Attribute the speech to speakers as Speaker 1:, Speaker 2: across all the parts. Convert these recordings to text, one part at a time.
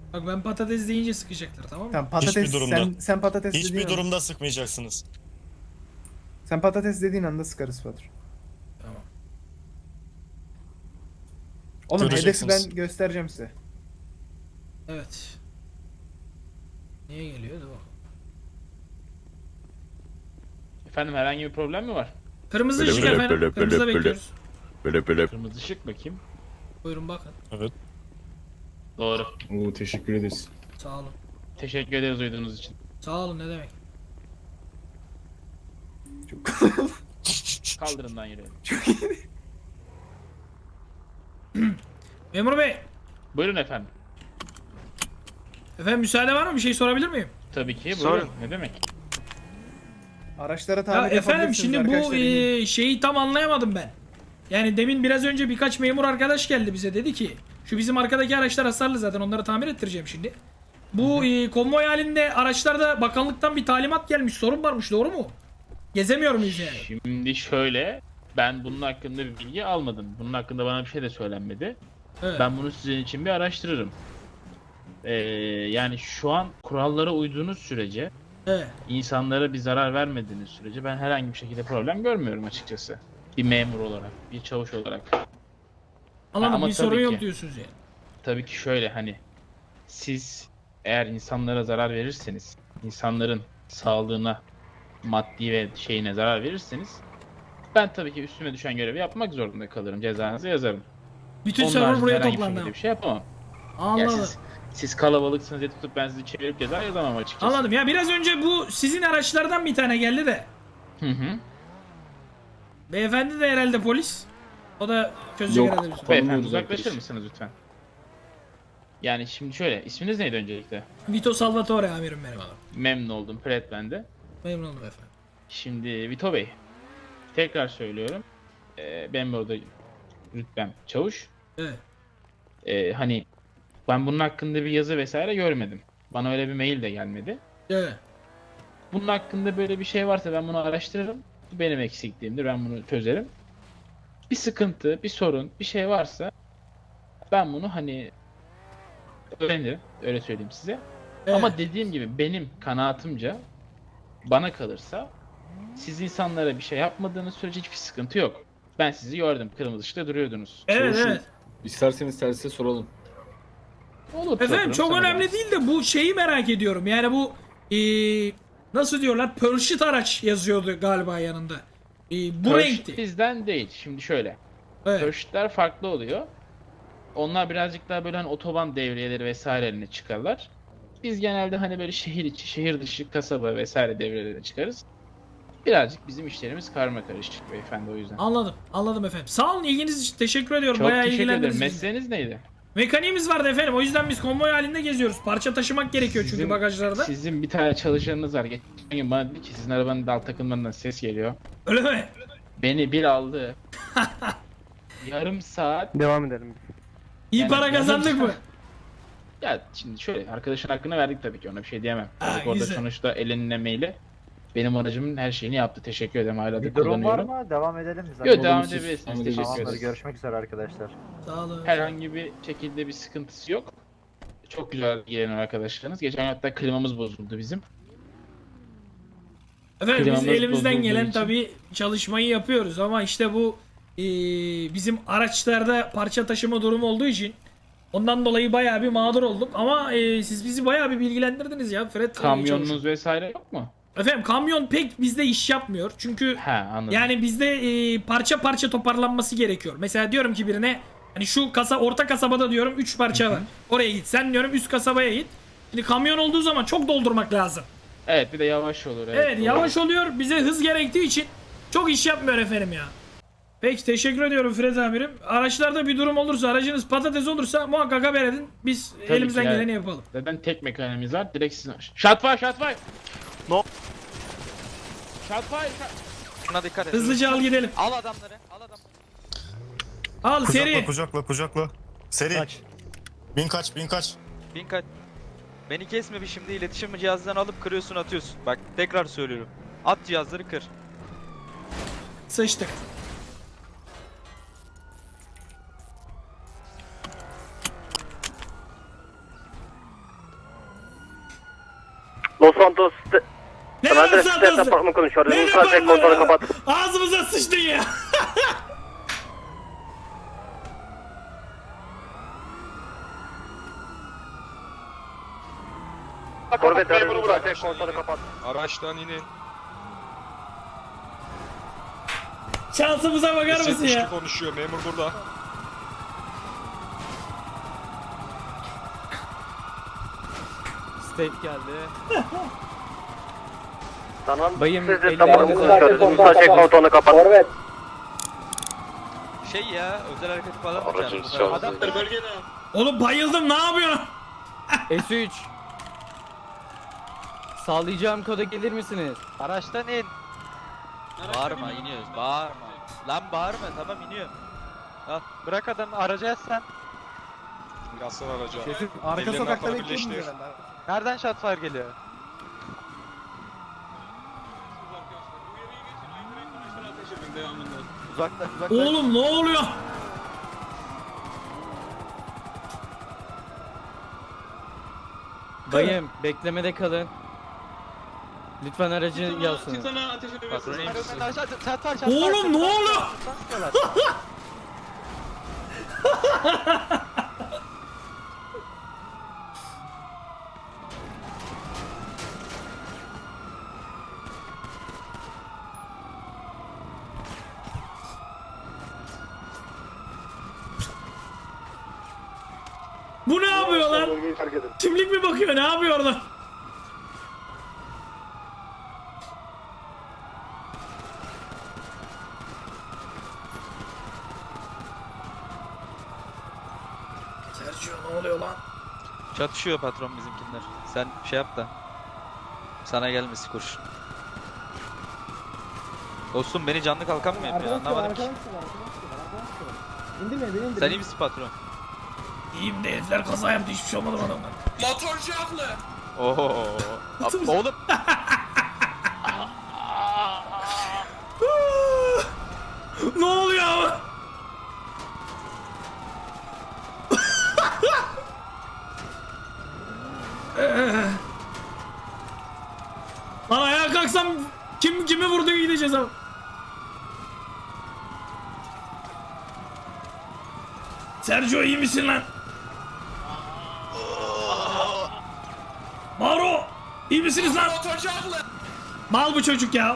Speaker 1: Bak ben patates deyince sıkacaklar, tamam mı?
Speaker 2: Tamam patates
Speaker 3: Hiçbir durumda.
Speaker 2: sen patates dediğin
Speaker 3: Hiçbir
Speaker 2: anda,
Speaker 3: durumda sıkmayacaksınız.
Speaker 2: sen patates dediğin anda sıkarız Fatur.
Speaker 1: Tamam.
Speaker 2: Oğlum hedefi
Speaker 3: Göreceksiniz.
Speaker 2: ben göstereceğim size.
Speaker 1: Evet. Niye geliyor? Dur bakalım.
Speaker 4: Efendim herhangi bir problem mi var?
Speaker 1: Kırmızı
Speaker 5: Böyle,
Speaker 1: ışık
Speaker 5: böyle,
Speaker 1: efendim.
Speaker 5: böyle,
Speaker 1: Kırmızıda
Speaker 5: böyle,
Speaker 1: bekliyoruz.
Speaker 5: Böyle.
Speaker 4: Kırmızı ışık bakayım.
Speaker 1: Buyurun bakın.
Speaker 3: Evet.
Speaker 4: Doğru.
Speaker 5: Oo, teşekkür ederiz.
Speaker 1: Sağ olun.
Speaker 4: Teşekkür ederiz uyduğunuz için.
Speaker 1: Sağ olun, ne demek.
Speaker 4: Kaldırımdan yürüyelim.
Speaker 1: Memur bey.
Speaker 4: Buyurun efendim.
Speaker 1: Efendim müsaade var mı? Bir şey sorabilir miyim?
Speaker 4: Tabii ki
Speaker 6: Sorun.
Speaker 4: buyurun. Ne demek?
Speaker 2: Araçlara
Speaker 1: Ya
Speaker 2: tamir
Speaker 1: efendim
Speaker 2: yapabilirsiniz
Speaker 1: şimdi bu
Speaker 2: arkadaşlar, inin.
Speaker 1: şeyi tam anlayamadım ben. Yani demin biraz önce birkaç memur arkadaş geldi bize, dedi ki şu bizim arkadaki araçlar hasarlı, zaten onları tamir ettireceğim şimdi. Bu konvoy halinde araçlarda bakanlıktan bir talimat gelmiş, sorun varmış, doğru mu? Gezemiyor muyuz yani?
Speaker 4: Şimdi şöyle. Ben bunun hakkında bir bilgi almadım. Bunun hakkında bana bir şey de söylenmedi.
Speaker 1: Evet.
Speaker 4: Ben bunu sizin için bir araştırırım. Yani şu an kurallara uyduğunuz sürece,
Speaker 1: Evet.
Speaker 4: insanlara bir zarar vermediğiniz sürece ben herhangi bir şekilde problem görmüyorum açıkçası. Bir memur olarak, bir çavuş olarak.
Speaker 1: Anladım,
Speaker 4: ama
Speaker 1: bir sorun
Speaker 4: tabii
Speaker 1: yok
Speaker 4: ki.
Speaker 1: diyorsunuz yani.
Speaker 4: Tabii ki şöyle hani siz eğer insanlara zarar verirseniz, insanların sağlığına, maddi ve şeyine zarar verirseniz ben tabii ki üstüme düşen görevi yapmak zorunda kalırım. Cezanızı yazarım.
Speaker 1: Bütün
Speaker 4: Onun
Speaker 1: server
Speaker 4: haricinde
Speaker 1: buraya
Speaker 4: herhangi bir
Speaker 1: toplandı.
Speaker 4: şekilde bir şey yapamam. Ya
Speaker 1: Anladım.
Speaker 4: siz kalabalıksınız diye tutup ben sizi çevirip ceza yazamam açıkçası.
Speaker 1: Anladım. Ya biraz önce bu sizin araçlardan bir tane geldi de.
Speaker 4: Hı hı.
Speaker 1: Beyefendi de herhalde polis. O da çözecek
Speaker 5: Yok.
Speaker 1: herhalde bir sorun.
Speaker 4: Beyefendi
Speaker 5: Tanımıyoruz
Speaker 4: uzaklaşır
Speaker 5: arkadaş.
Speaker 4: mısınız lütfen? Yani şimdi şöyle, isminiz neydi öncelikle?
Speaker 1: Vito Salvatore amirim benim adam.
Speaker 4: Memnun oldum, Pret ben de.
Speaker 1: Memnun oldum efendim.
Speaker 4: Şimdi Vito Bey, tekrar söylüyorum. Ben burada rütbem çavuş.
Speaker 1: Evet.
Speaker 4: Hani ben bunun hakkında bir yazı vesaire görmedim. Bana öyle bir mail de gelmedi.
Speaker 1: Evet.
Speaker 4: Bunun hakkında böyle bir şey varsa ben bunu araştırırım. Bu benim eksikliğimdir, ben bunu çözerim. Bir sıkıntı, bir sorun, bir şey varsa ben bunu hani öğrenirim, öyle söyleyeyim size.
Speaker 1: Evet.
Speaker 4: Ama dediğim gibi benim kanaatimce bana kalırsa siz insanlara bir şey yapmadığınız sürece hiçbir sıkıntı yok. Ben sizi gördüm, kırmızı ışıkta duruyordunuz.
Speaker 1: Evet,
Speaker 5: Çavuşum,
Speaker 1: evet.
Speaker 5: İsterseniz tersize soralım.
Speaker 4: Olur.
Speaker 1: Efendim
Speaker 4: sorarım,
Speaker 1: çok
Speaker 4: sana
Speaker 1: önemli
Speaker 4: da.
Speaker 1: değil de bu şeyi merak ediyorum. Yani bu nasıl diyorlar? Pörşit araç yazıyordu galiba yanında. Bu
Speaker 4: Purge
Speaker 1: renkti.
Speaker 4: bizden değil. Şimdi şöyle.
Speaker 1: Evet.
Speaker 4: Purge'ler farklı oluyor. Onlar birazcık daha böyle hani otoban devriyeleri vesairelerine çıkarlar. Biz genelde hani böyle şehir içi, şehir dışı, kasaba vesaire devrelerine çıkarız. Birazcık bizim işlerimiz karma karışık beyefendi o yüzden.
Speaker 1: Anladım. Anladım efendim. Sağ olun, ilginiz için teşekkür ediyorum.
Speaker 4: Çok
Speaker 1: Bayağı
Speaker 4: teşekkür ederim.
Speaker 1: ilgilendiniz. bizi.
Speaker 4: Mesleğiniz neydi?
Speaker 1: Mekaniğimiz vardı efendim. O yüzden biz konvoy halinde geziyoruz. Parça taşımak gerekiyor çünkü
Speaker 4: Sizin-
Speaker 1: bagajlarda.
Speaker 4: Sizin bir tane çalışanınız var. Geçen gün bana dedi ki sizin arabanın dal takımlarından ses geliyor.
Speaker 1: Öyle mi?
Speaker 4: Beni bir aldı. Yarım saat.
Speaker 6: Devam edelim.
Speaker 1: İyi
Speaker 4: Yani
Speaker 1: para
Speaker 4: yarım
Speaker 1: kazandık mı?
Speaker 4: saat- Ya şimdi şöyle arkadaşın hakkını verdik tabii ki ona bir şey diyemem.
Speaker 1: Ha,
Speaker 4: Dedik orada
Speaker 1: güzel.
Speaker 4: sonuçta elinin emeğiyle benim aracımın her şeyini yaptı. Teşekkür ederim, hala da
Speaker 6: Bir durum var
Speaker 4: kullanıyorum.
Speaker 6: mı? Devam edelim mi zaten?
Speaker 4: Yok, devam
Speaker 5: Olumsuz.
Speaker 4: edebilirsiniz.
Speaker 5: Devam
Speaker 4: Teşekkür
Speaker 6: Tamamdır.
Speaker 4: ederiz.
Speaker 6: Görüşmek üzere arkadaşlar.
Speaker 1: Sağ olun.
Speaker 4: Herhangi bir şekilde bir sıkıntısı yok. Çok güzel gelen arkadaşlarınız. Geçen hatta klimamız bozuldu bizim.
Speaker 1: Efendim biz
Speaker 4: Klimamız
Speaker 1: elimizden
Speaker 4: bozulduğu
Speaker 1: gelen
Speaker 4: için-
Speaker 1: tabii çalışmayı yapıyoruz ama işte bu bizim araçlarda parça taşıma durumu olduğu için ondan dolayı bayağı bir mağdur olduk ama siz bizi bayağı bir bilgilendirdiniz ya Fred.
Speaker 4: Kamyonunuz vesaire yok mu?
Speaker 1: Efendim kamyon pek bizde iş yapmıyor çünkü
Speaker 4: He, anladım.
Speaker 1: yani bizde parça parça toparlanması gerekiyor. Mesela diyorum ki birine hani şu orta kasabada diyorum 3 parça var. Oraya git. Sen diyorum üst kasabaya git. Şimdi kamyon olduğu zaman çok doldurmak lazım.
Speaker 4: Evet, bir de yavaş olur.
Speaker 1: Evet
Speaker 4: doğru.
Speaker 1: yavaş oluyor. Bize hız gerektiği için çok iş yapmıyor efendim ya. Peki teşekkür ediyorum Fred amirim. Araçlarda bir durum olursa, aracınız patates olursa muhakkak haber edin. Biz
Speaker 4: Tabii
Speaker 1: elimizden
Speaker 4: ki yani.
Speaker 1: geleni yapalım.
Speaker 4: Zaten tek mekanimiz var. Direkt sizin... Shotfire, shotfire!
Speaker 7: No.
Speaker 4: Shotfire,
Speaker 7: Şuna dikkat et.
Speaker 1: Hızlıca al gidelim.
Speaker 7: Al adamları. Al adamları.
Speaker 1: Al
Speaker 3: Kucakla,
Speaker 1: seri.
Speaker 3: kucakla. Seri.
Speaker 6: Kaç.
Speaker 3: Bin kaç.
Speaker 7: Bin kaç. Beni kesme bir şimdi iletişim cihazdan alıp kırıyorsun atıyorsun. Bak tekrar söylüyorum. At cihazları kır.
Speaker 1: Sıçtık.
Speaker 6: Los Santos
Speaker 1: Ne
Speaker 6: Commander
Speaker 1: lan
Speaker 6: State
Speaker 1: Santos'u?
Speaker 6: Departmanı konuşuyor.
Speaker 1: Ne
Speaker 6: Ulusal tek kontrolü
Speaker 1: departmanı?
Speaker 6: kapat.
Speaker 1: Ağzımıza sıçtın ya.
Speaker 6: Korvet aracı ulusal tek kontrolü kapat.
Speaker 8: Araçtan inin.
Speaker 1: Şansımıza bakar mısın ya?
Speaker 8: S72 konuşuyor. Memur burada.
Speaker 9: State geldi.
Speaker 6: Tamam.
Speaker 9: Bayım,
Speaker 6: Siz de
Speaker 9: elli
Speaker 6: departmanı
Speaker 9: elli
Speaker 6: konuşuyoruz. Ulusal tek kontrolü kapat.
Speaker 7: Şey ya özel hareket falan mı
Speaker 8: Aracın
Speaker 7: çağırdın?
Speaker 8: Adamlar bölgede.
Speaker 1: Oğlum bayıldım, ne yapıyorsun?
Speaker 9: S3. Sağlayacağım koda gelir misiniz?
Speaker 7: Araçtan in. Bağırma iniyoruz bağırma. Lan bağırma tamam iniyor. Al bırak adamı araca yaz sen.
Speaker 8: Yazsın araca.
Speaker 2: Arka
Speaker 8: Ellerini
Speaker 2: sokakta
Speaker 8: arkana
Speaker 2: bekliyorsunuz
Speaker 8: birleştir.
Speaker 2: herhalde.
Speaker 7: Nereden shotfire geliyor? Uzaklaş uzaklaş.
Speaker 1: Oğlum ne oluyor?
Speaker 9: Bayım beklemede kalın. Lütfen aracı yazsın.
Speaker 7: Patron iyi misin?
Speaker 1: Oğlum ne oluyor? Bu ne yapıyor lan? Kimlik mi bakıyor? Ne yapıyor orada? Sergio ne oluyor lan?
Speaker 7: Çatışıyor patron bizimkiler. Sen şey yap da. Sana gelmesi kurşun. Dostum beni canlı kalkan mı yapıyor? Anlamadım ki. Sen iyi misin patron?
Speaker 1: İyiyim de herifler kaza yaptı, hiçbir şey olmadı bana.
Speaker 8: Motorcu haklı.
Speaker 7: Oho. Oğlum.
Speaker 1: Ne oluyor ama? Lan ayağa kalksam kimi vurdu gideceğiz ama. Sergio iyi misin lan? Mauro iyi misiniz lan?
Speaker 8: Motorcu haklı.
Speaker 1: Mal bu çocuk ya.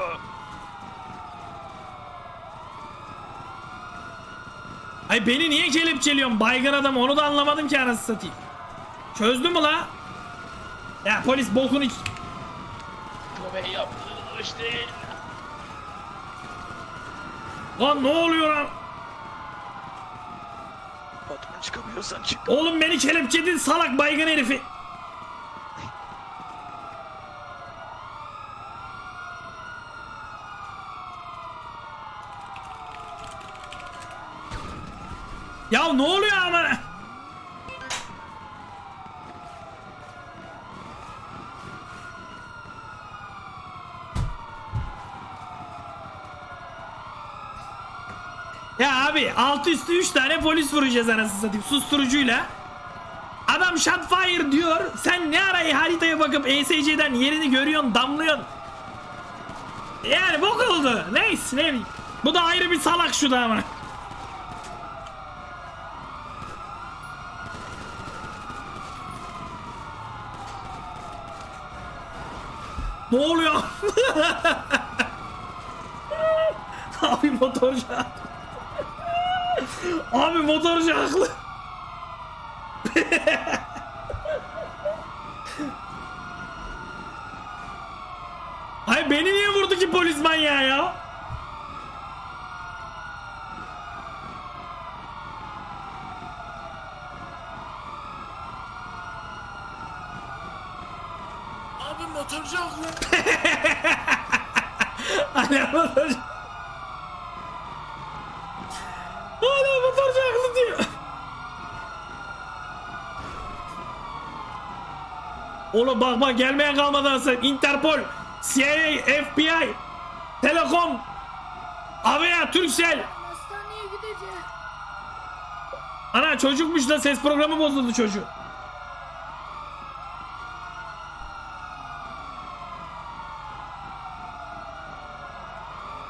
Speaker 1: Ay beni niye kelepçeliyorsun baygın adam, onu da anlamadım ki anasını satayım. Çözdü mü la? Ya polis bokunu iç... Lan ne oluyor lan?
Speaker 7: Patron çıkamıyorsan çık.
Speaker 1: Oğlum beni kelepçedin salak baygın herifi. Ya ne oluyor ama? Ya abi alt üstü 3 tane polis vuracağız anasını satayım susturucuyla. Adam shotfire diyor. Sen ne ara haritaya bakıp ESC'den yerini görüyorsun, damlıyorsun. Yani bok oldu. Neyse ne bileyim. Bu da ayrı bir salak şu da ama. Ne oluyor? Abi motorcu haklı. Abi motorcu haklı. Ay beni niye vurdu ki polis manyağı ya?
Speaker 8: Abi motorcu haklı.
Speaker 1: Hala motorcu. Hala motorcu haklı diyor. Oğlum bak bak gelmeye kalmadan sen Interpol, CIA, FBI, Telekom, Avea, Turkcell.
Speaker 10: Hastaneye gideceğim.
Speaker 1: Ana çocukmuş da ses programı bozuldu çocuğu.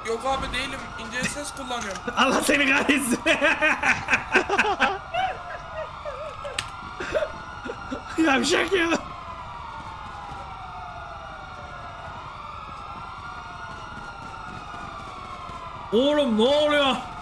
Speaker 8: Yok abi değilim. İnce ses kullanıyorum.
Speaker 1: Allah seni kahretsin. Yavşak ya. Oğlum ne oluyor?